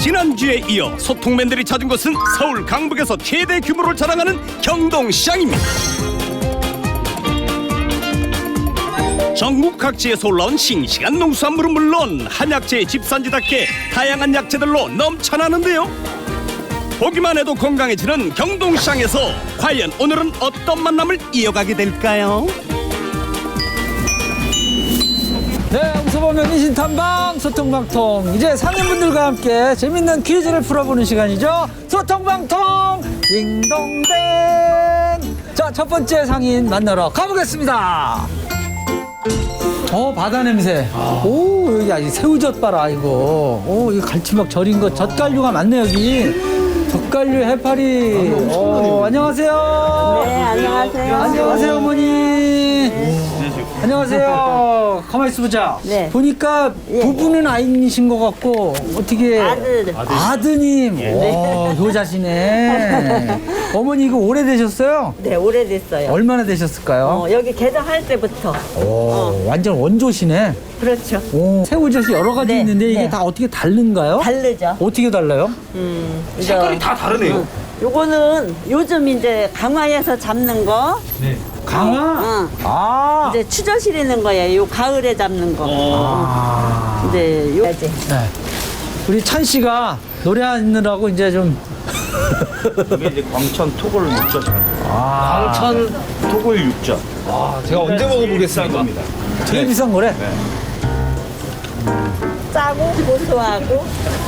지난주에 이어 소통맨들이 찾은 곳은 서울 강북에서 최대 규모를 자랑하는 경동시장입니다. 전국 각지에서 올라온 싱싱한 농수산물은 물론 한약재의 집산지답게 다양한 약재들로 넘쳐나는데요. 보기만 해도 건강해지는 경동시장에서 과연 오늘은 어떤 만남을 이어가게 될까요? 네, 홍서범의 민신탐방 소통방통. 이제 상인분들과 함께 재밌는 퀴즈를 풀어보는 시간이죠. 소통방통 딩동댕. 자, 첫 번째 상인 만나러 가보겠습니다. 바다 냄새. 오, 여기 아직 새우젓 봐라, 이거. 오, 이거 갈치막 절인 거, 젓갈류가 많네, 여기. 젓갈류, 해파리. 안녕하세요. 네, 안녕하세요. 안녕하세요, 어머니. 안녕하세요. 가만히 있어보자. 네. 보니까 부부는 아이신 것 같고, 어떻게. 아드님. 효자시네. 어머니 이거 오래되셨어요? 네, 오래됐어요. 얼마나 되셨을까요? 여기 개장할 때부터. 완전 원조시네. 그렇죠. 새우젓이 여러 가지 네, 있는데 이게 네. 다 어떻게 다른가요? 다르죠. 어떻게 달라요? 색깔이 다 다르네요. 요거는 요즘 이제 강화에서 잡는 거. 강화? 응. 이제 추저시리는 거예요. 요 가을에 잡는 거. 이제 요. 네. 우리 찬 씨가 노래하느라고 이제 좀. 이게 이제 광천 토골 육젓. 광천 토골 육젓. 제가 언제 먹어보겠습니까? 되게 비싼 거래. 짜고 고소하고.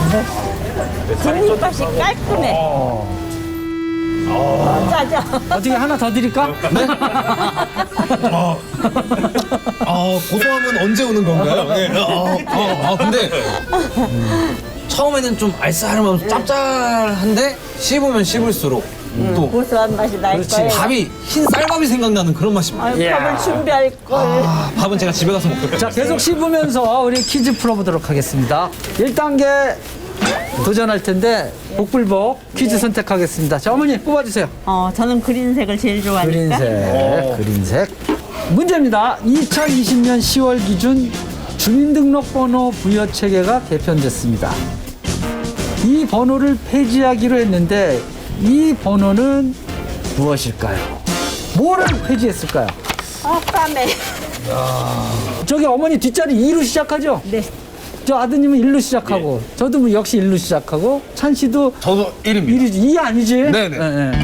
뒷입맛이 깔끔해. 짜죠. 어떻게 하나 더 드릴까? 네? 고소함은 언제 오는 건가요? 네. 근데 처음에는 좀 알싸하면서 짭짤한데 씹으면 씹을수록 또 고소한 맛이 날 거예요. 밥이 흰 쌀밥이 생각나는 그런 맛입니다. 아유, 밥을 준비할 걸. 밥은 제가 집에 가서 먹도록 자, 계속 씹으면서 우리 퀴즈 풀어보도록 하겠습니다. 1단계 도전할 텐데 복불복 퀴즈 선택하겠습니다. 자, 어머니 뽑아주세요. 저는 그린색을 제일 좋아하니까. 그린색. 문제입니다. 2020년 10월 기준 주민등록번호 부여 체계가 개편됐습니다. 이 번호를 폐지하기로 했는데 이 번호는 무엇일까요? 뭐를 폐지했을까요? 까매. 저기 어머니 뒷자리 2로 시작하죠? 네. 저 아드님은 1로 시작하고 저도 뭐 역시 1로 시작하고 찬 씨도 저도 1입니다. 1이지. 2 아니지? 네네.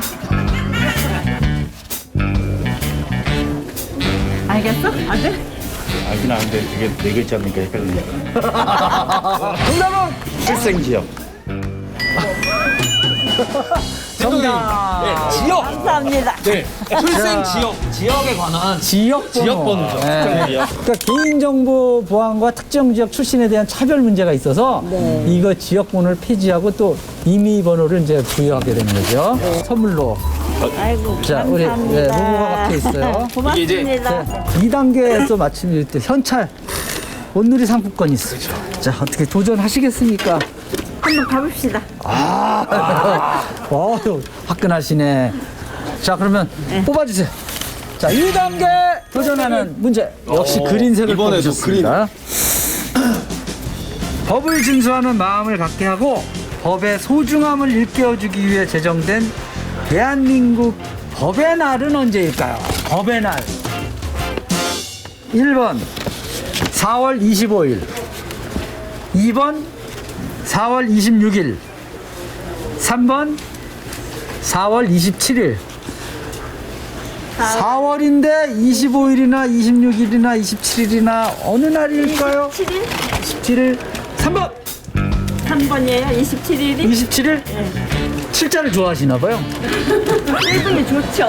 알겠어? 아들? 알긴 아는데 이게 네 글자니까 헷갈리니까. 정답은 출생지역. 정답. 지역. 감사합니다. 출생 지역에 관한 지역번호죠. 지역번호죠. 그러니까 개인정보 보안과 특정 지역 출신에 대한 차별 문제가 있어서 이거 지역번호를 폐지하고 또 임의번호를 이제 부여하게 되는 거죠. 선물로. 아이고, 자, 우리 감사합니다. 로고가 박혀 있어요. 고맙습니다. 2단계에서 마침 또 현찰 온누리 상품권이 있어요. 자, 어떻게 도전하시겠습니까? 한번 가봅시다. 화끈하시네. 자, 그러면 뽑아주세요. 자, 2단계 도전하는 문제. 역시 그린색을 이번에도 뽑으셨습니다. 법을 준수하는 마음을 갖게 하고 법의 소중함을 일깨워주기 위해 제정된 대한민국 법의 날은 언제일까요? 법의 날. 1번 4월 25일, 2번 4월 26일, 3번 4월 27일. 4월인데 25일이나 26일이나 27일이나 어느 날일까요? 27일? 27일. 3번 3번이에요? 27일이? 27일? 칠자를 좋아하시나 봐요. 세븐이 좋죠.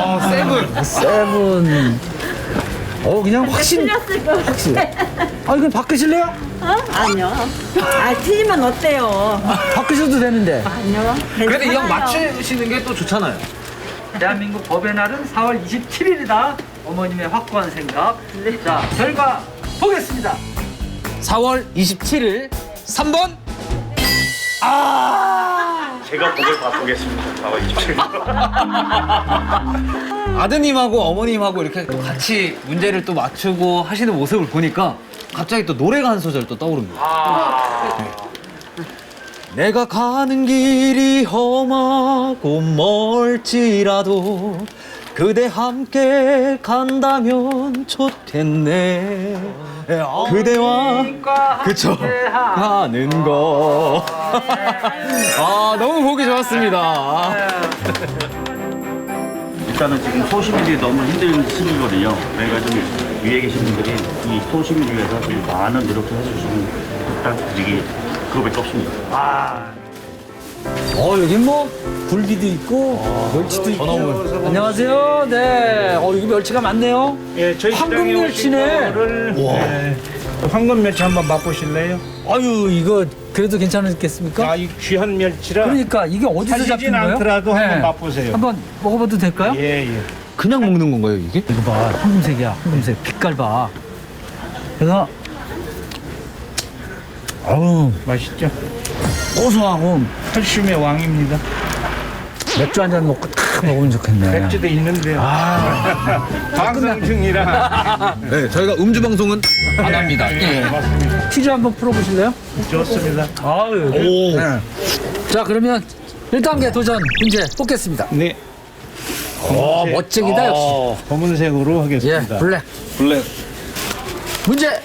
세븐. 그냥 확신. 틀렸을 거 같아. 이건 바꾸실래요? 아니요. 틀리면 어때요? 바꾸셔도 되는데. 아니요. 그래도 이 형 괜찮아요. 맞추시는 게 또 좋잖아요. 대한민국 법의 날은 4월 27일이다. 어머님의 확고한 생각. 자, 결과 보겠습니다. 4월 27일 3번. 제가 법을 바꾸겠습니다. 4월 27일. 아드님하고 어머님하고 이렇게 또 같이 문제를 또 맞추고 하시는 모습을 보니까 갑자기 또 노래가 한 소절 또 떠오릅니다. 내가 가는 길이 험하고 멀지라도 그대 함께 간다면 좋겠네. 그대와 그쵸 가는 거. 아 너무 보기 좋았습니다. 일단은 지금 소시민들이 너무 힘든 시기거든요. 그러니까 좀 위에 계신 분들이 이 소시민을 위해서 좀 많은 노력을 해주시면 부탁드리기 그거밖에 없습니다. 여기 뭐 굴비도 있고 멸치도 있고. 안녕하세요. 네. 여기 멸치가 많네요. 예, 저희 황금 시장에 오신 멸치네. 거를, 예, 황금 멸치 한번 맛보실래요? 아유 이거 그래도 괜찮겠습니까? 이 귀한 멸치라 그러니까 이게 어디서 사시진 잡힌 거예요? 않더라도 한번 맛보세요. 한번 먹어봐도 될까요? 예, 예. 그냥 먹는 건가요 이게? 이거 봐, 황금색이야, 황금색. 빛깔 봐. 그래서 어우 맛있죠? 고소하고 칼슘의 왕입니다. 맥주 한 잔 먹고 탁 먹으면 좋겠네. 맥주도 있는데요. 방송 중이라. 네 저희가 음주 방송은 안 합니다. 네, 맞습니다. 퀴즈 한번 풀어보실래요? 좋습니다. 아유. 오. 네. 자 그러면 1단계 도전 문제 뽑겠습니다. 네, 멋쟁이다 역시. 검은색으로 예, 하겠습니다. 블랙. 블랙. 문제.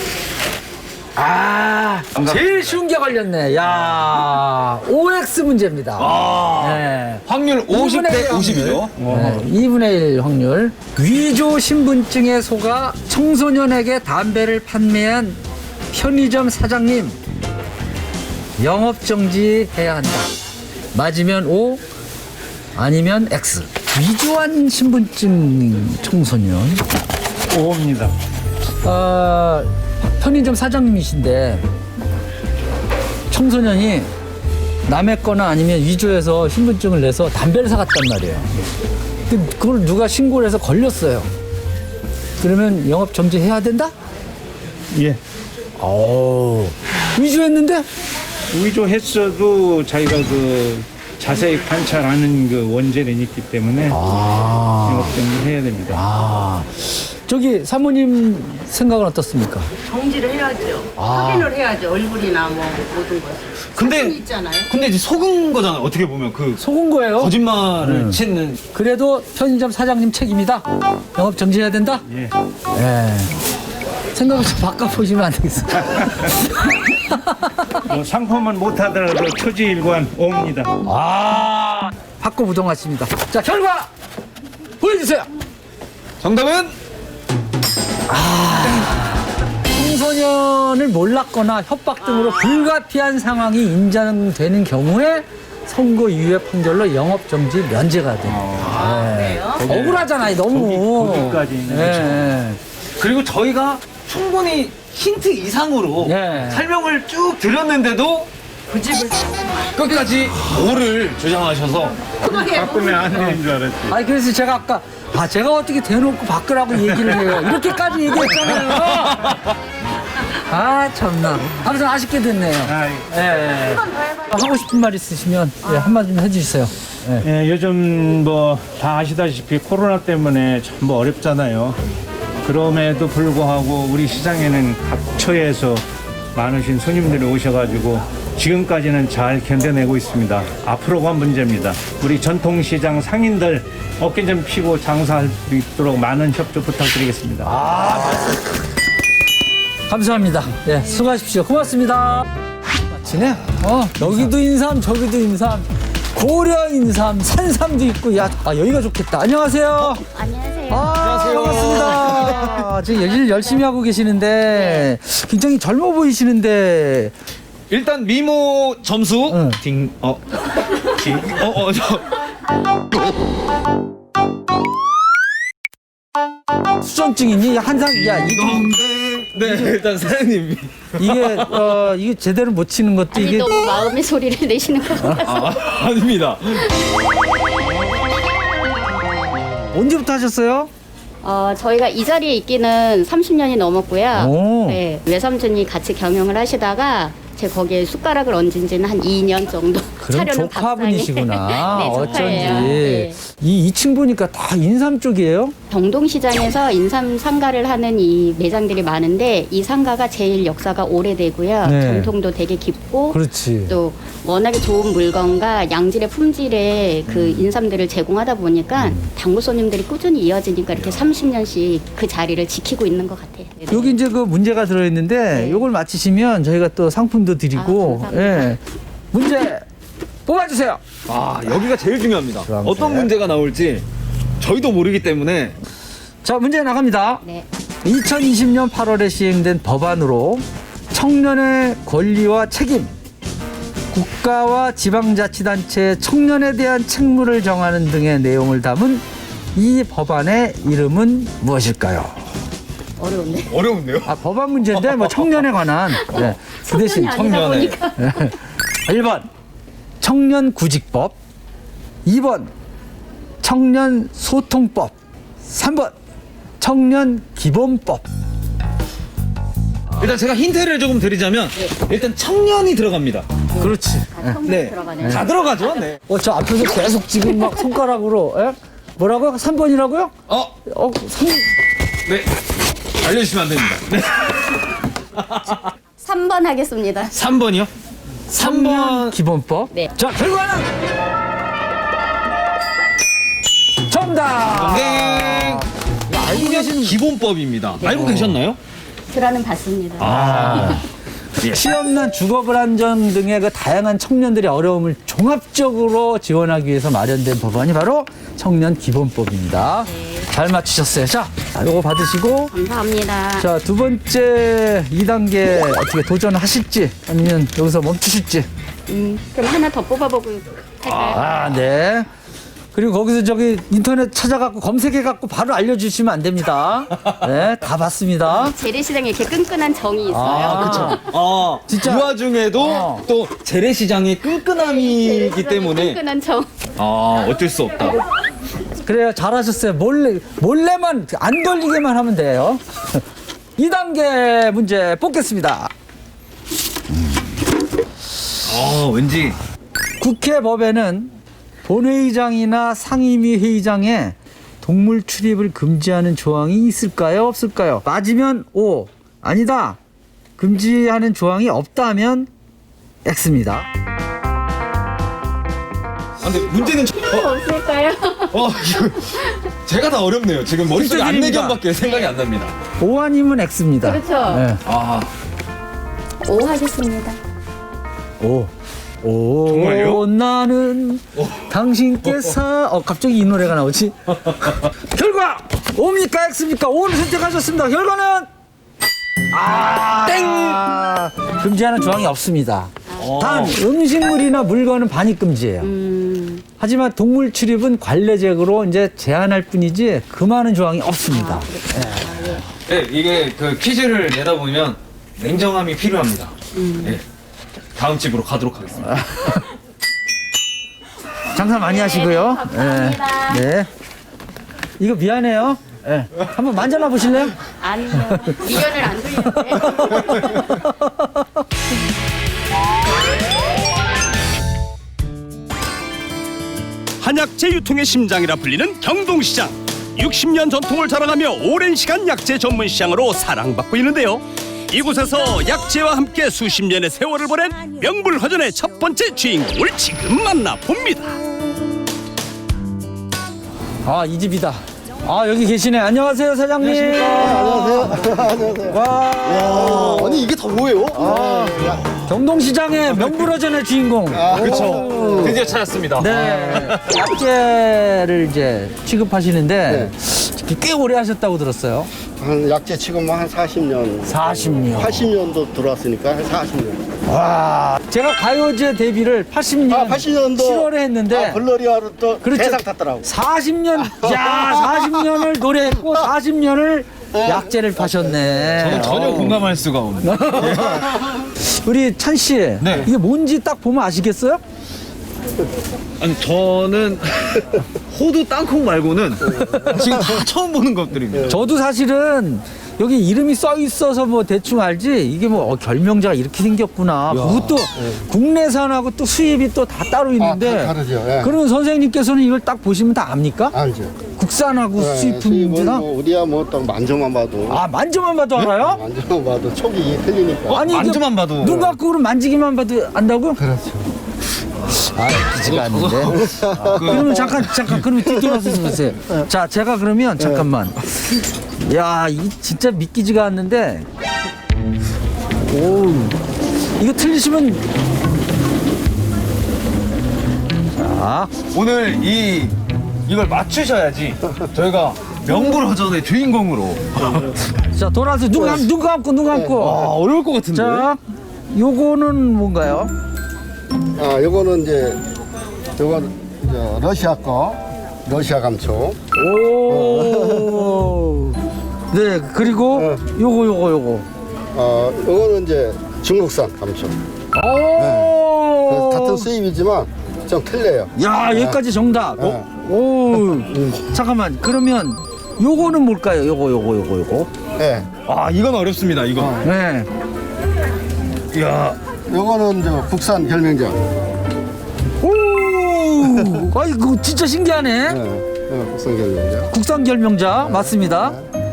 제일 쉬운 게 걸렸네. 야, OX 문제입니다. 네. 확률 50대 50이죠. 네, 2분의 1 확률. 위조 신분증에 속아 청소년에게 담배를 판매한 편의점 사장님 영업 정지해야 한다. 맞으면 O, 아니면 X. 위조한 신분증 청소년. 오입니다. 편의점 사장님이신데 청소년이 남의 거나 아니면 위조해서 신분증을 내서 담배를 사갔단 말이에요. 근데 그걸 누가 신고를 해서 걸렸어요. 그러면 영업 정지해야 된다? 예. 위조했는데? 위조했어도 자기가 그 자세히 관찰하는 그 원죄는 있기 때문에 영업정지 해야 됩니다. 저기 사모님 생각은 어떻습니까? 정지를 해야죠. 확인을 해야죠. 얼굴이나 뭐 모든 것을. 근데 사진이 있잖아요. 근데 이제 속은 거잖아요. 어떻게 보면 그 속은 거예요. 거짓말을 치는. 그래도 편의점 사장님 책임이다. 영업 정지해야 된다. 예. 생각을 좀 바꿔보시면 안 되겠어요? 상품은 못하더라도 초지일관 옵니다. 바꿔부동하십니다. 자, 결과 보여주세요. 정답은 청소년을 몰랐거나 협박 등으로 불가피한 상황이 인정되는 경우에 선고유예 판결로 영업정지 면제가 됩니다. 억울하잖아요, 너무. 거기까지는 네. 그리고 저희가 충분히 힌트 이상으로 예. 설명을 쭉 드렸는데도 끝까지 O를 주장하셔서 바꾸면 안 되는 줄 알았지. 아니, 그래서 제가 아까, 제가 어떻게 대놓고 바꾸라고 얘기를 해요. 이렇게까지 얘기했잖아요. 참나. 아무튼 아쉽게 됐네요. 예. 하고 싶은 말 있으시면 한마디 좀 해주세요. 예, 요즘 뭐 다 아시다시피 코로나 때문에 전부 어렵잖아요. 그럼에도 불구하고 우리 시장에는 각처에서 많으신 손님들이 오셔가지고 지금까지는 잘 견뎌내고 있습니다. 앞으로가 문제입니다. 우리 전통시장 상인들 어깨 좀 피고 장사할 수 있도록 많은 협조 부탁드리겠습니다. 감사합니다. 예, 수고하십시오. 고맙습니다. 마치네. 여기도 인삼, 저기도 인삼, 고려 인삼, 산삼도 있고, 여기가 좋겠다. 안녕하세요. 안녕하세요. 반갑습니다. 지금 일 열심히 하고 계시는데, 굉장히 젊어 보이시는데, 일단 미모 점수 응. 수전증이니? 네 일단 사장님 이게 제대로 못 치는 것도 아니, 이게. 너무 마음의 소리를 내시는 것 같아서. 아닙니다. 언제부터 하셨어요? 저희가 이 자리에 있기는 30년이 넘었고요. 오. 네, 외삼촌이 같이 경영을 하시다가 제 거기에 숟가락을 얹은 지는 한 2년 정도. 그럼 차려는 밥상에. 조카분이시구나. 네, 조카예요. 어쩐지. 네. 이 2층 보니까 다 인삼 쪽이에요? 경동시장에서 인삼 상가를 하는 이 매장들이 많은데 이 상가가 제일 역사가 오래되고요. 네. 전통도 되게 깊고 그렇지. 또 워낙에 좋은 물건과 양질의 품질의 그 인삼들을 제공하다 보니까 단골 손님들이 꾸준히 이어지니까 이렇게 30년씩 그 자리를 지키고 있는 것 같아요. 네네. 여기 이제 그 문제가 들어있는데 네. 요걸 맞히시면 저희가 또 상품도 드리고 아, 감사합니다. 예. 문제 뽑아주세요. 아, 여기가 제일 중요합니다. 주황색. 어떤 문제가 나올지 저희도 모르기 때문에. 자, 문제 나갑니다. 네. 2020년 8월에 시행된 법안으로 청년의 권리와 책임, 국가와 지방자치단체의 청년에 대한 책무를 정하는 등의 내용을 담은 이 법안의 이름은 무엇일까요? 어려운데. 어려운데요? 아, 법안 문제인데 뭐 청년에 관한. 네. 그 대신 청년이 아니다 보니까. 1번 청년구직법, 2번 청년소통법, 3번 청년기본법. 일단 제가 힌트를 조금 드리자면 일단 청년이 들어갑니다. 그렇지. 네. 들어가네요. 다 들어가죠? 네. 저 앞에서 계속 지금 막 손가락으로 뭐라고요? 3번이라고요? 3... 네. 알려주시면 안 됩니다. 네. 3번 하겠습니다. 3번이요? 3번. 기본법. 네. 자, 결과는 정답. 네. 알고 계시는 기본법입니다. 알고 계셨나요? 들어는 봤습니다. 취업난, 주거불안정 등의 그 다양한 청년들의 어려움을 종합적으로 지원하기 위해서 마련된 법안이 바로 청년기본법입니다. 잘 맞추셨어요. 자, 요거 받으시고 감사합니다. 자, 두 번째 2단계 어떻게 도전하실지 아니면 여기서 멈추실지. 그럼 하나 더 뽑아보고 할까요? 아, 네. 그리고 거기서 저기 인터넷 찾아갖고 검색해갖고 바로 알려주시면 안 됩니다. 네, 다 봤습니다. 재래시장에 이렇게 끈끈한 정이 있어요. 아, 진짜. 이 와중에도 또 재래시장의 끈끈함이기 때문에 끈끈한 정. 어쩔 수 없다. 그래요, 잘하셨어요. 몰래만 안 걸리게만 하면 돼요. 2단계 문제 뽑겠습니다. 왠지 국회 법에는 본회의장이나 상임위 회의장에 동물 출입을 금지하는 조항이 있을까요? 없을까요? 맞으면 O, 아니다. 금지하는 조항이 없다면 X입니다. 근데 문제는 없을까요? 이거 제가 다 어렵네요. 지금 머릿속에 힌트 드립니다. 안내견밖에 생각이 안 납니다. O 아니면 X입니다. 그렇죠. 네. O 하겠습니다. 오. 정말요? 나는 당신께서 갑자기 이 노래가 나오지? 결과 O입니까 X입니까? O를 선택하셨습니다. 결과는 땡! 금지하는 조항이 없습니다. 단 음식물이나 물건은 반입 금지예요. 하지만 동물 출입은 관례적으로 이제 제한할 뿐이지 금하는 조항이 없습니다. 네, 이게 그 퀴즈를 내다 보면 냉정함이 필요합니다. 네. 다음 집으로 가도록 하겠습니다. 장사 많이 하시고요. 감사합니다. 네. 이거 미안해요. 네. 한번 만져나 보실래요? 아니요. 미련을 안 돌리는데. 한약재 유통의 심장이라 불리는 경동시장. 60년 전통을 자랑하며 오랜 시간 약재 전문 시장으로 사랑받고 있는데요. 이곳에서 약재와 함께 수십 년의 세월을 보낸 명불허전의 첫 번째 주인공을 지금 만나봅니다. 이 집이다. 여기 계시네. 안녕하세요, 사장님. 안녕하세요. 와. 아니 이게 다 뭐예요? 경동시장의 명불허전의 주인공. 그렇죠. 드디어 찾았습니다. 네. 약재를 이제 취급하시는데 꽤 오래 하셨다고 들었어요. 한 약재 지금 한 40년. 40년. 80년도 들어왔으니까 한 40년. 와. 제가 가요제 데뷔를 80년 80년도 7월에 했는데 블러리아로 또 그렇죠. 대상 탔더라고. 40년, 40년을 노래했고 40년을 약재를 파셨네. 저는 전혀 공감할 수가 없는. 우리 찬 씨, 네. 이게 뭔지 딱 보면 아시겠어요? 아니 저는 호두 땅콩 말고는 지금 다 처음 보는 것들입니다. 저도 사실은 여기 이름이 써 있어서 뭐 대충 알지 이게 뭐 결명자가 이렇게 생겼구나. 그것도 국내산하고 또 수입이 또 다 따로 있는데 다 다르죠. 예. 그러면 선생님께서는 이걸 딱 보시면 다 압니까? 알죠. 국산하고 수입은 수입품이나? 뭐 우리야 뭐 딱 만져만 봐도 아, 만져만 봐도 알아요? 만져만 봐도 촉이 틀리니까. 아니, 만져만 봐도. 눈 감고 그럼 만지기만 봐도 안다고? 그렇죠. 아, 믿기지가 않는데. 그러면 잠깐, 그러면 뒤돌아서 보세요. 자, 제가 그러면 잠깐만. 야, 이 진짜 믿기지가 않는데. 오, 이거 틀리시면. 자, 오늘 이걸 맞추셔야지 저희가 명불허전의 주인공으로. 자, 돌아서 눈 감고, 눈 감고. 어려울 것 같은데. 자, 요거는 뭔가요? 아, 요거는 이제 요건 러시아 거 러시아 감초. 오. 네, 그리고 요거. 요거는 이제 중국산 감초. 오. 같은 수입이지만 좀 틀려요. 야, 여기까지 정답. 오. 잠깐만. 그러면 요거는 뭘까요? 요거. 네. 아, 이건 어렵습니다. 이거. 네. 이야. 요거는 저 국산 결명장. 오. 아이고, 진짜 신기하네. 네, 국산 결명장. 국산 결명자 맞습니다.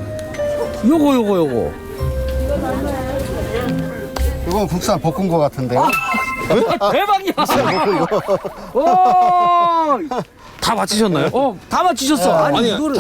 요거. 요건 국산 볶은 거 같은데. 대박이야. 오. 다 맞히셨나요? 다 맞추셨어. 아니, 이거를.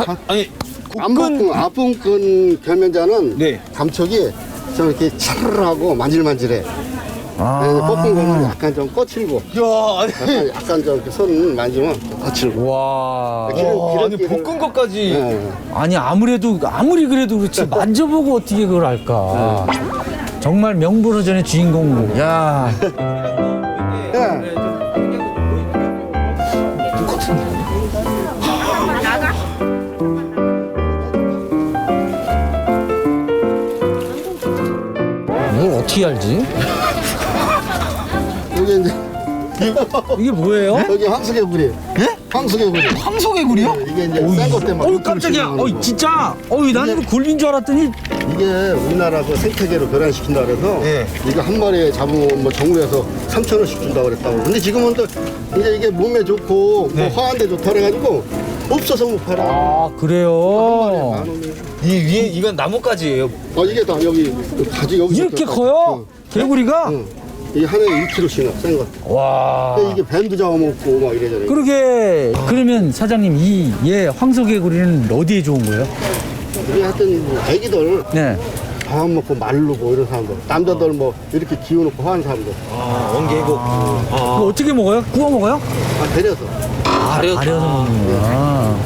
앞부분 결명자는 네. 감촉이 좀 이렇게 차르르하고 만질만질해. 볶은 거는 약간 좀 거칠고. 약간 좀 이렇게 손 만지면 거칠고. 와. 아니, 볶은 것까지. 네. 아니, 아무리 그래도 그렇지 만져보고 어떻게 그걸 알까. 정말 명불허전의 주인공. 야. 네. 이걸 어떻게 알지? 이게 이제 이게 뭐예요? 여기 황수개구리. 예? 황수개구리. 황소개구리요? 이게 이제 센거 때문에. 어우, 깜짝이야. 진짜. 난 이거 굴린 줄 알았더니. 이게 우리나라 그 생태계로 교란시킨다 그래서 예. 이거 한 마리에 잡으면 뭐 정부에서 3,000원씩 준다 그랬다고. 근데 지금은 또 이제 이게 몸에 좋고 뭐 화한데 좋다 그래가지고 없어서 못 팔아. 아, 그래요. 만 원이에요. 이 위에 이건 나뭇가지예요. 이게 다 여기 가지 여기 이렇게 커요? 개구리가? 이게 하나에 1kg씩 센 것. 와. 이게 뱀도 잡아먹고 막 이래저래. 그러게. 그러면 사장님, 황소개구리는 어디에 좋은 거예요? 우리 하여튼 뭐 애기들 네. 밥 먹고 마르고 이런 사람들, 남자들 뭐 이렇게 기워놓고 하는 사람들. 원개고. 그거 어떻게 먹어요? 구워 먹어요? 데려서. 가려서 먹는구나.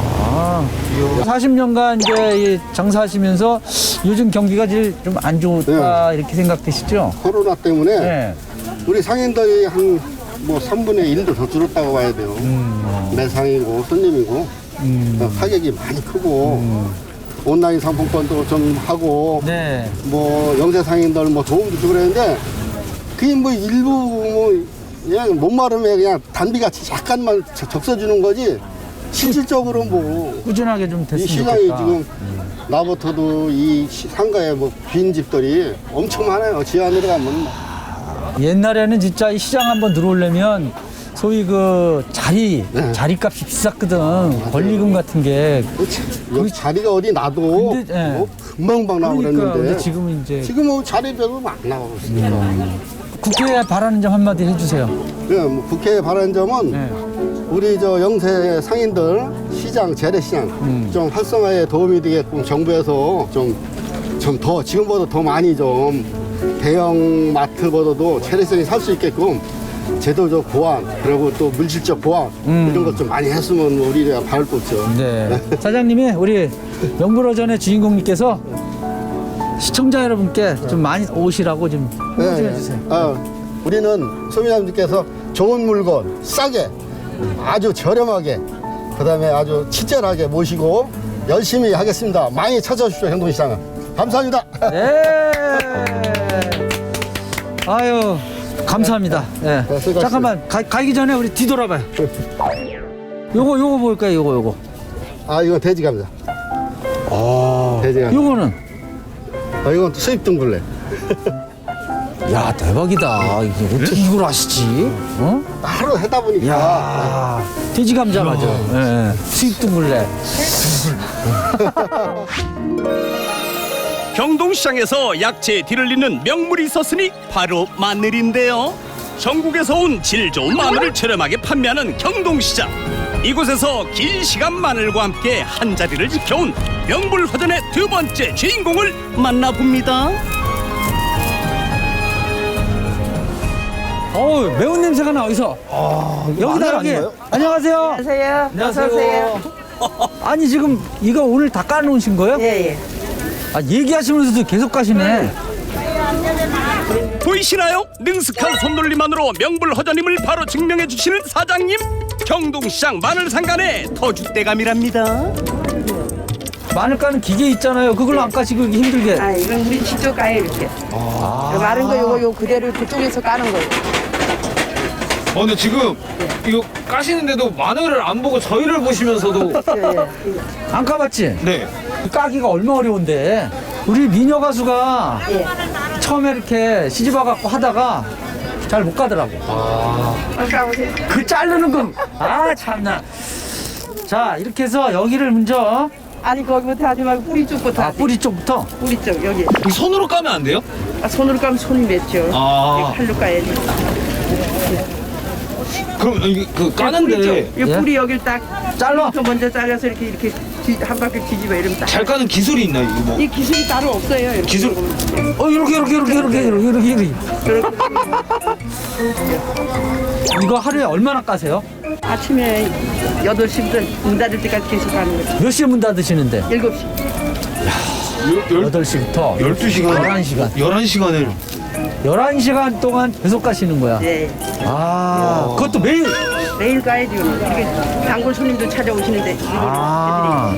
40년간 이제 장사하시면서 요즘 경기가 제일 좀 안 좋다 이렇게 생각되시죠? 코로나 때문에 네. 우리 상인들이 한 뭐 3분의 1도 더 줄었다고 봐야 돼요. 매상이고 손님이고 가격이 많이 크고 온라인 상품권도 좀 하고 네. 뭐 영세 상인들 뭐 도움도 주고 그랬는데 그게 뭐 일부 뭐 그냥 못 마르면 그냥 단비같이 약간만 적셔주는 거지 실질적으로 뭐 꾸준하게 좀 이 됐으면 시장이 좋겠다. 지금 나부터도 이 상가에 뭐 빈 집들이 엄청 많아요. 지하 내려가면. 옛날에는 진짜 이 시장 한번 들어오려면 소위 그 자리값이 비쌌거든. 권리금 같은 게. 여기 자리가 어디 나도 근데, 예. 뭐 금방 나오고 그러니까 그랬는데 근데 지금은 이제 지금은 자리 별로 안 나오고 있으니까. 국회에 바라는 점 한마디 해주세요. 네, 뭐 국회에 바라는 점은 네. 우리 저 영세 상인들 시장 재래시장 좀 활성화에 도움이 되게끔 정부에서 좀 더 지금보다 더 많이 좀 대형 마트보다도 재래시장이 살 수 있게끔 제도적 보완 그리고 또 물질적 보완 이런 것 좀 많이 했으면 우리가 바랄 거 없죠. 네. 사장님이 우리 명불허전의 주인공님께서 시청자 여러분께 좀 많이 오시라고 좀 홍보 좀 해주세요. 우리는 소비자님들께서 좋은 물건 싸게 아주 저렴하게 그다음에 아주 친절하게 모시고 열심히 하겠습니다. 많이 찾아주십시오. 행동시장은. 감사합니다. 네. 아유, 감사합니다. 네. 수고하셨습니다. 잠깐만, 가기 전에 우리 뒤돌아봐요. 요거 볼까요? 요거. 이건 돼지 감자. 돼지 감자. 요거는? 이건 수입 둥글레. 야, 대박이다. 이게 어떻게 이걸 아시지? 어? 하루 하다 보니까 야, 돼지 감자 맞아. 예, 수입 둥글레. 경동시장에서 약재에 뒤를 잇는 명물이 있었으니 바로 마늘인데요. 전국에서 온 질 좋은 마늘을 저렴하게 판매하는 경동시장. 이곳에서 긴 시간 마늘과 함께 한자리를 지켜온 명불허전의 두 번째 주인공을 만나봅니다. 어우, 매운 냄새가 나, 어디서? 여기다, 여기. 안녕하세요. 안녕하세요. 안녕하세요. 아니, 지금 이거 오늘 다 까놓으신 거예요? 예, 예. 아, 얘기하시면서도 계속 가시네. 보이시나요? 능숙한 손놀림만으로 명불허전임을 바로 증명해 주시는 사장님. 경동시장 마늘상간의 터줏대감이랍니다. 마늘 까는 기계 있잖아요. 그걸로 안 까시고 힘들게. 아, 이건 우리 직접 까요, 이렇게. 마른 거 요거 그대로 그쪽에서 까는 거예요. 근데 지금 이거 까시는데도 마늘을 안 보고 저희를 보시면서도 안 까봤지? 네. 까기가 얼마 어려운데. 우리 미녀 가수가 처음에 이렇게 시집와갖고 하다가 잘 못 가더라고. 까보세요. 그 자르는 거. 아, 참나. 자, 이렇게 해서 여기를 먼저. 아니, 거기부터 하지 말고 뿌리 쪽부터 아, 하지. 뿌리 쪽부터. 뿌리 쪽, 여기. 이 손으로 까면 안 돼요? 아, 손으로 까면 손이 맺죠. 아. 칼로 까야지. 그럼 이게 그 뿌리 까는데 쪽. 이 예? 뿌리 여기를 딱 잘라. 또 먼저 잘라서 이렇게 한 바퀴 뒤집어 이러면 딱. 잘 까는 기술이 있나요? 이거 뭐? 이 기술이 따로 없어요. 이렇게. 기술. 이렇게. 이거 하루에 얼마나 까세요? 아침에 8시부터 문 닫을 때까지 계속 가는 거죠. 몇 시에 문 닫으시는데? 7시. 8시부터 12시간. 11시간. 11시간을. 11시간 동안 계속 가시는 거야. 네. 아, 그것도 매일. 매일 가야죠. 이렇게 단골 손님도 찾아오시는데. 아.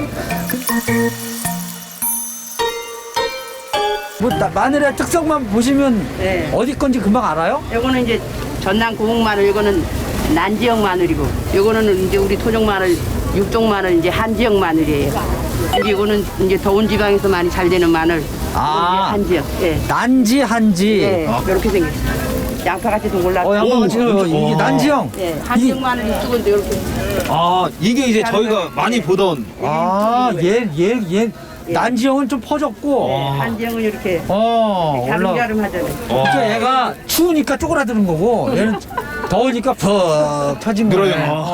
뭐 마늘의 특성만 보시면 네. 어디 건지 금방 알아요? 요거는 이제 전남 고흥 마늘, 요거는 난지역 마늘이고, 요거는 이제 우리 토종 마늘, 육종 마늘, 이제 한지역 마늘이에요. 이제 이거는 이제 더운 지방에서 많이 잘 되는 마늘. 아. 한지역. 예. 난지 한지. 예. 이렇게 생겼어요. 양파같이 동글라고. 양파가 지금 이게 난지형. 예. 한지역 마늘 이쪽은 또 이렇게. 아, 이게 이제 저희가 많이 보던. 아, 얘 난지형은 좀 퍼졌고. 예. 한지역은 이렇게. 올라. 가름가름 하잖아요. 그러니까 얘가 추우니까 쪼그라드는 거고 얘는 더우니까 푹 펴진 거네.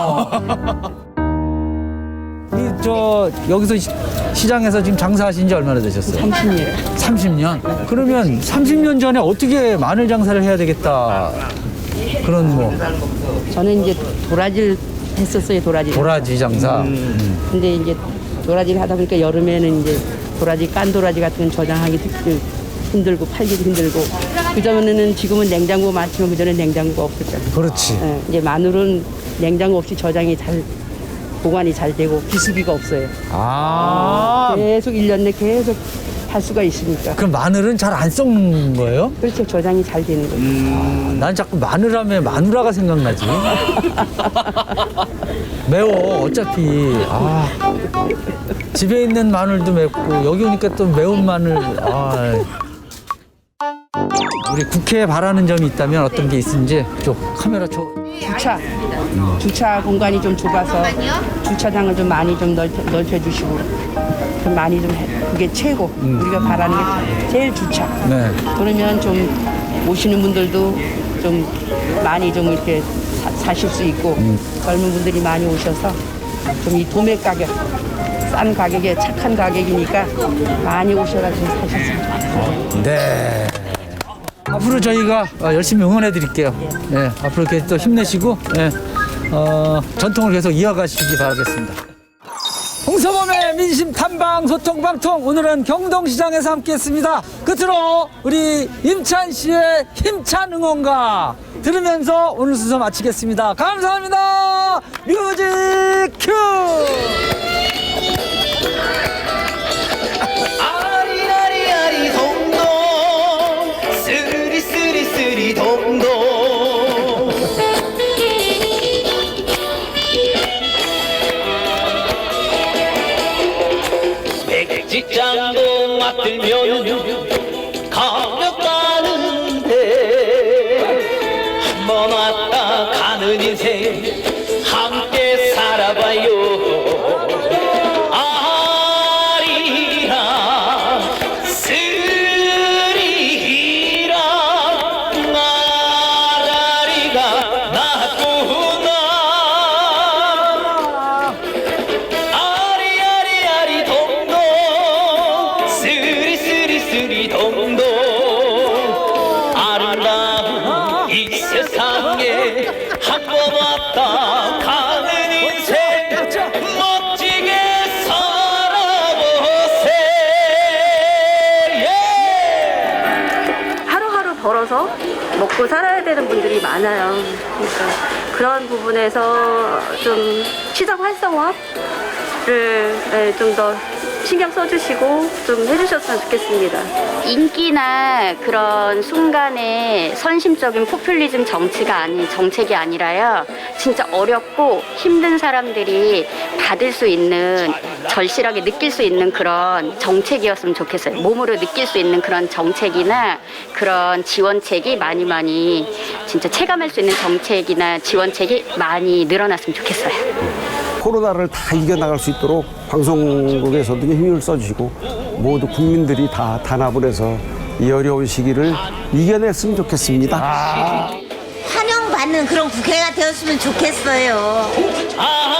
저 여기서 시장에서 지금 장사하신 지 얼마나 되셨어요? 30년. 30년? 그러면 30년 전에 어떻게 마늘 장사를 해야 되겠다 그런 뭐 저는 이제 도라지를 했었어요, 도라지 장사. 근데 이제 도라지를 하다 보니까 여름에는 이제 도라지, 깐 도라지 같은 건 저장하기 힘들고 팔기도 힘들고. 그전에는 지금은 냉장고 많지만 그전에 냉장고가 없었잖아요. 그렇지. 예, 이제 마늘은 냉장고 없이 저장이 잘 보관이 잘 되고 비수기가 없어요. 아, 계속 1년 내 계속 할 수가 있으니까. 그럼 마늘은 잘 안 썩는 거예요? 그렇죠. 저장이 잘 되는 거죠. 난 자꾸 마늘하면 마누라가 생각나지. 매워 어차피. 아, 집에 있는 마늘도 맵고 여기 오니까 또 매운 마늘. 아. 우리 국회에 바라는 점이 있다면 어떤 게 있는지 좀 카메라 줘. 주차 공간이 좀 좁아서 주차장을 좀 많이 좀 넓혀주시고 좀 많이 좀 그게 최고. 우리가 바라는 게 제일 주차. 네. 그러면 좀 오시는 분들도 좀 많이 좀 이렇게 사실 수 있고 젊은 분들이 많이 오셔서 좀 이 도매 가격 싼 가격에 착한 가격이니까 많이 오셔가지고 사셨으면 좋겠어요. 네. 앞으로 저희가 열심히 응원해 드릴게요. 네, 앞으로 이렇게 또 힘내시고 전통을 계속 이어가시기 바라겠습니다. 홍서범의 민심 탐방 소통 방통, 오늘은 경동시장에서 함께했습니다. 끝으로 우리 임찬 씨의 힘찬 응원가 들으면서 오늘 순서 마치겠습니다. 감사합니다. 뮤직 큐. 아리아리아리 동동 쓰리 동동 백지장도 맞들면 가며 가는데 한 번 왔다 가는 인생 함께 살아봐요. 아리랑 쓰리랑 아라리가 났구나. 아리아리아리 동동 쓰리쓰리쓰리 동동 아름다운 이 세상에 한 번 왔다 가는 인생 멋지게 살아보세. 하루하루 벌어서 먹고 살아야 되는 분들이 많아요. 그러니까 그런 부분에서 좀 시장 활성화를 좀 더 신경 써주시고 좀 해주셨으면 좋겠습니다. 인기나 그런 순간에 선심적인 포퓰리즘 정책이 아니라요. 진짜 어렵고 힘든 사람들이 받을 수 있는, 절실하게 느낄 수 있는 그런 정책이었으면 좋겠어요. 몸으로 느낄 수 있는 그런 정책이나 그런 지원책이 많이 진짜 체감할 수 있는 정책이나 지원책이 많이 늘어났으면 좋겠어요. 코로나를 다 이겨나갈 수 있도록 방송국에서도 힘을 써주시고 모두 국민들이 다 단합을 해서 이 어려운 시기를 이겨냈으면 좋겠습니다. 환영받는 그런 국회가 되었으면 좋겠어요.